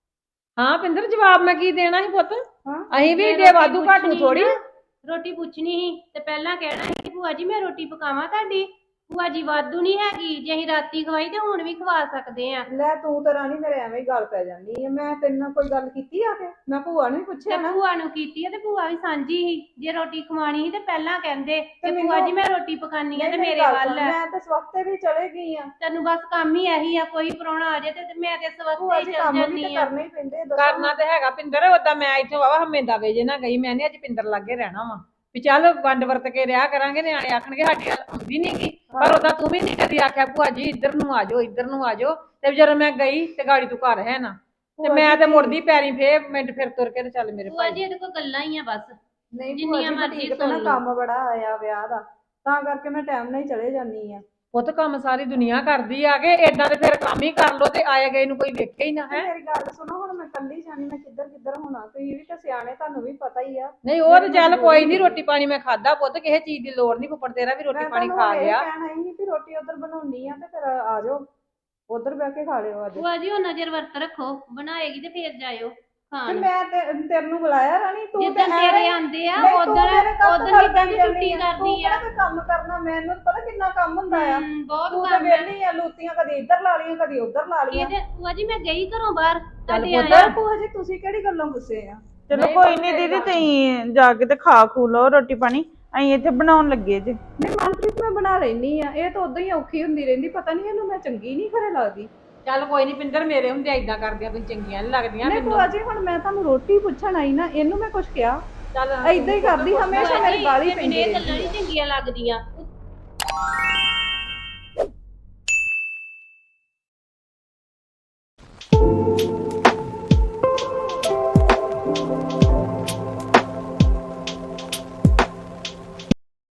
D: ਹਾਂ ਪਿੰਦਰ ਜਵਾਬ ਮੈਂ ਕੀ ਦੇਣਾ ਸੀ ਪੁੱਤ?
B: ਹਾਂ।
D: ਅਸੀਂ ਵੀ ਏਡੇ ਵਾਧੂ ਘਾਟੂ ਥੋੜੀ।
A: ਰੋਟੀ ਪੁੱਛਣੀ ਸੀ ਤੇ ਪਹਿਲਾਂ ਕਹਿਣਾ ਸੀ ਕਿ ਭੂਆ ਜੀ ਮੈਂ ਰੋਟੀ ਪਕਾਵਾਂ ਤੁਹਾਡੀ। ਭੂਆ ਜੀ ਵਾਧੂ ਨਹੀਂ ਹੈਗੀ, ਜੇ ਅਸੀਂ ਰਾਤੀ ਖਵਾਈ ਤੇ ਹੁਣ ਵੀ ਖਵਾ ਸਕਦੇ ਆ।
B: ਲੈ ਤੂੰ ਤਾਂ ਰਾਣੀ ਮੇਰੇ ਐਵੇਂ ਹੀ ਗੱਲ ਪੈ ਜਾਂਦੀ ਹੈ। ਮੈਂ ਤੇਰੇ ਨਾਲ ਕੋਈ ਗੱਲ ਕੀਤੀ ਆ ਕੇ? ਮੈਂ ਭੂਆ ਨੂੰ ਹੀ ਪੁੱਛਿਆ
A: ਤੇ
B: ਨਾ।
A: ਭੂਆ ਨੂੰ ਕੀਤੀ ਹੈ ਤੇ ਭੂਆ ਵੀ ਸਾਂਝੀ ਸੀ। ਜੇ ਰੋਟੀ ਖਵਾਣੀ ਸੀ ਤੇ ਪਹਿਲਾਂ ਕਹਿੰਦੇ ਕਿ
B: ਮੈਨੂੰ-
A: ਭੂਆ ਜੀ ਮੈਂ ਰੋਟੀ ਪਕਾਨੀ ਆ ਤੇ
B: ਨਹੀਂ,
A: ਮੇਰੇ
B: ਗੱਲ
A: ਵੱਲ
B: ਸੁਣ, ਮੈਂ ਤਾਂ ਸਵਖਤੇ ਵੀ ਚਲੇ ਗਈ ਆ।
A: ਤੈਨੂੰ ਬਸ ਕੰਮ ਹੀ ਇਹੀ ਆ, ਕੋਈ ਪ੍ਰਾਹੁਣਾ ਆ ਜਾਏ ਤੇ ਮੈਂ ਤੇ
B: ਭੂਆ
A: ਸਵਖਤੇ
B: ਜੀ
A: ਹੀ ਚੱਲ
B: ਕੰਮ ਵੀ
A: ਜਾਂਦੀ
B: ਤਾਂ
A: ਆ।
B: ਕਰਨੇ ਹੀ ਪੈਂਦੇ ਆ, ਦੱਸੋ।
D: ਕਰਨਾ ਤੇ ਹੈਗਾ ਪਿੰਦਰ, ਓਦਾਂ ਮੈਂ ਇੱਥੇ ਵਾਵਾ ਹਮੇਂਦਾ ਵੇਜੇ ਨਾ ਗਈ, ਮੈਂ ਨੀ ਅੱਜ ਪਿੰਦਰ ਲਾਗੇ ਰਹਿਣਾ ਵਾ ਵੀ ਚੱਲ ਵੰਡ ਵਰਤ ਕੇ ਰਿਹਾ ਕਰਾਂਗੇ। ਨਿਆਣੇ ਆਖਣਗੇ ਸਾਡੀ ਗੱਲ ਆਉਂਦੀ ਨੀ ਗੀ, ਪਰ ਓਦਾਂ ਤੂੰ ਵੀ ਨੀ ਕਦੀ ਆਖਿਆ ਭੂਆ ਜੀ ਇੱਧਰ ਨੂੰ ਆ ਜਾਓ, ਇੱਧਰ ਨੂੰ ਆ ਜਾਓ। ਤੇ ਜਦੋਂ ਮੈਂ ਗਈ ਤੇ ਗਾੜੀ ਤੂੰ ਘਰ ਹੈ ਨਾ, ਤੇ ਮੈਂ ਤੇ ਮੁੜਦੀ ਪੈਰੀ ਫੇਰ ਮਿੰਟ ਫਿਰ ਤੁਰ ਕੇ ਤੇ ਚੱਲ ਮੇਰੇ
A: ਭੂਆ
D: ਭਾਈ।
A: ਜੀ ਇਹਦੇ ਕੋਲ ਗੱਲਾਂ ਹੀ ਆ ਬਸ।
B: ਨਹੀਂ ਭੂਆ
A: ਜਿੰਨੀਆਂ
B: ਜੀ
A: ਮਰਜ਼ੀ
B: ਠੀਕ ਤੇ
A: ਸੁਣ
B: ਨਾ
A: ਲਓ।
B: ਕੰਮ ਬੜਾ ਆਇਆ ਵਿਆਹ ਦਾ, ਤਾਂ ਕਰਕੇ ਮੈਂ ਟਾਈਮ ਨਾਲ ਹੀ ਚਲੇ ਜਾਂਦੀ ਆ।
D: ਪੁੱਤ ਕੰਮ ਸਾਰੀ ਦੁਨੀਆ ਕਰਦੀ ਆ ਕੇ, ਏਦਾਂ ਤੇ ਫਿਰ ਕੰਮ ਹੀ ਕਰ ਲੋ ਤੇ ਆਏ ਗਏ ਨੂੰ ਕੋਈ ਵੇਖੇ ਹੀ ਨਾ।
B: ਤੇ
D: ਹੈ
B: ਮੇਰੀ ਗੱਲ ਸੁਣੋ, ਹੁਣ ਮੈਂ ਕੱਲੀ ਜਾਣੀ, ਮੈਂ ਕਿੱਧਰ ਕਿੱਧਰ ਹੋਣਾ? ਤੁਸੀਂ ਵੀ ਤਾਂ ਸਿਆਣੇ, ਤੁਹਾਨੂੰ ਵੀ ਪਤਾ ਹੀ ਆ।
D: ਨਹੀਂ ਉਹ ਤੇ ਚੱਲ ਕੋਈ ਨਹੀਂ, ਰੋਟੀ ਪਾਣੀ ਮੈਂ ਖਾਦਾ ਪੁੱਤ, ਕਿਸੇ ਚੀਜ਼ ਦੀ ਲੋੜ ਨਹੀਂ, ਫੁੱਫੜ ਤੇਰਾ ਵੀ ਰੋਟੀ
B: ਮੈਂ
D: ਪਾਣੀ
B: ਤੁਹਾਨੂੰ
D: ਖਾ
B: ਇਹ
D: ਗਿਆ।
B: ਕਹਿਣਾ ਹੀ ਵੀ ਰੋਟੀ ਉਧਰ ਬਣਾਉਣੀ ਆ ਤੇ ਫਿਰ ਆ ਜਾਓ, ਉਧਰ ਬਹਿ ਕੇ ਖਾ ਲਿਓ ਅੱਜ।
A: ਭੂਆ ਜੀ ਉਹ ਨਜ਼ਰ ਵਰਤ ਰੱਖੋ, ਬਣਾਏਗੀ ਤੇ ਫੇਰ ਜਾਇਓ
B: ਤੇ
A: ਖਾਣ।
B: ਮੈਂ ਤੇਰੇ ਨੂੰ ਬੁਲਾਇਆ ਰਾਣੀ, ਤੂੰ ਤੇ
A: ਜਿੱਦਣ ਤੇਰੇ ਆਂਦੇ ਆ ਉਦੋਂ ਕਿੱਦਾਂ ਦੀ ਛੁੱਟੀ ਕਰਦੀ ਆ।
B: ਤੂੰ ਕੰਮ ਕਰਨਾ, ਮੈਨੂੰ ਪਤਾ ਕਿੰਨਾ ਕੰਮ ਹੁੰਦਾ ਆ।
A: ਬਹੁਤ
B: ਤੂੰ ਤੇ
A: ਕੰਮ ਹੈ।
B: ਵਿਹਲੀ ਆ, ਲੂਤੀਆਂ ਕਦੀ ਇੱਧਰ ਲਾ ਲਈਆਂ ਕਦੀ ਉੱਧਰ ਲਾ ਲਈਆਂ।
A: ਇਹਦੇ ਭੂਆ ਜੀ ਮੈਂ ਗਈ ਘਰੋਂ ਬਾਹਰ, ਤੁਹਾਡੇ
D: ਪੁੱਤ।
A: ਆਇਆ।
B: ਭੂਆ ਜੀ ਤੁਸੀਂ ਕਿਹੜੀ ਗੱਲੋਂ ਗੁੱਸੇ ਆ?
E: ਚਲੋ
D: ਨਹੀਂ
E: ਕੋਈ
D: ਪੁੱਤ,
E: ਨਹੀਂ
D: ਮੇਰੀ
E: ਦੀਦੀ,
D: ਗੱਲ
E: ਤੁਸੀਂ ਜਾ ਕੇ ਤੇ ਖਾ ਖੂ ਲਓ ਰੋਟੀ ਪਾਣੀ, ਅਸੀਂ ਇੱਥੇ ਬਣਾਉਣ ਲੱਗੇ ਜੇ।
B: ਨਹੀਂ ਮਨਪ੍ਰੀਤ ਮੈਂ ਬਣਾ ਲੈਣੀ ਆ, ਇਹ ਤਾਂ ਉਦਾਂ ਹੀ ਔਖੀ ਹੁੰਦੀ ਰਹਿੰਦੀ, ਪਤਾ ਨਹੀਂ ਇਹਨੂੰ ਮੈਂ ਚੰਗੀ ਨਹੀਂ ਘਰੇ ਲੱਗਦੀ।
D: ਚੱਲ ਕੋਈ ਨਹੀਂ ਪਿੰਦਰ, ਮੇਰੇ ਹੁੰਦੇ ਏਦਾਂ ਕਰਦੀਆਂ ਤੁਸੀਂ ਚੰਗੀਆਂ ਨਹੀਂ ਲੱਗਦੀਆਂ
B: ਨਹੀਂ
D: ਮੈਨੂੰ।
B: ਭੂਆ ਜੀ ਹੁਣ ਮੈਂ ਤੁਹਾਨੂੰ ਰੋਟੀ ਪੁੱਛਣ ਆਈ ਨਾ, ਇਹਨੂੰ ਮੈਂ ਕੁਝ ਕਿਹਾ?
D: ਚੱਲ
B: ਏਦਾਂ ਹੀ ਕਰਦੀ ਹਮੇਸ਼ਾ, ਮੇਰੀ ਗਾਲੀ ਪੈਂਦੀ
A: ਇਹ ਗੱਲਾਂ
B: ਰਹਿੰਦੀ
A: ਨਹੀਂ ਚੰਗੀਆਂ ਲੱਗਦੀਆਂ।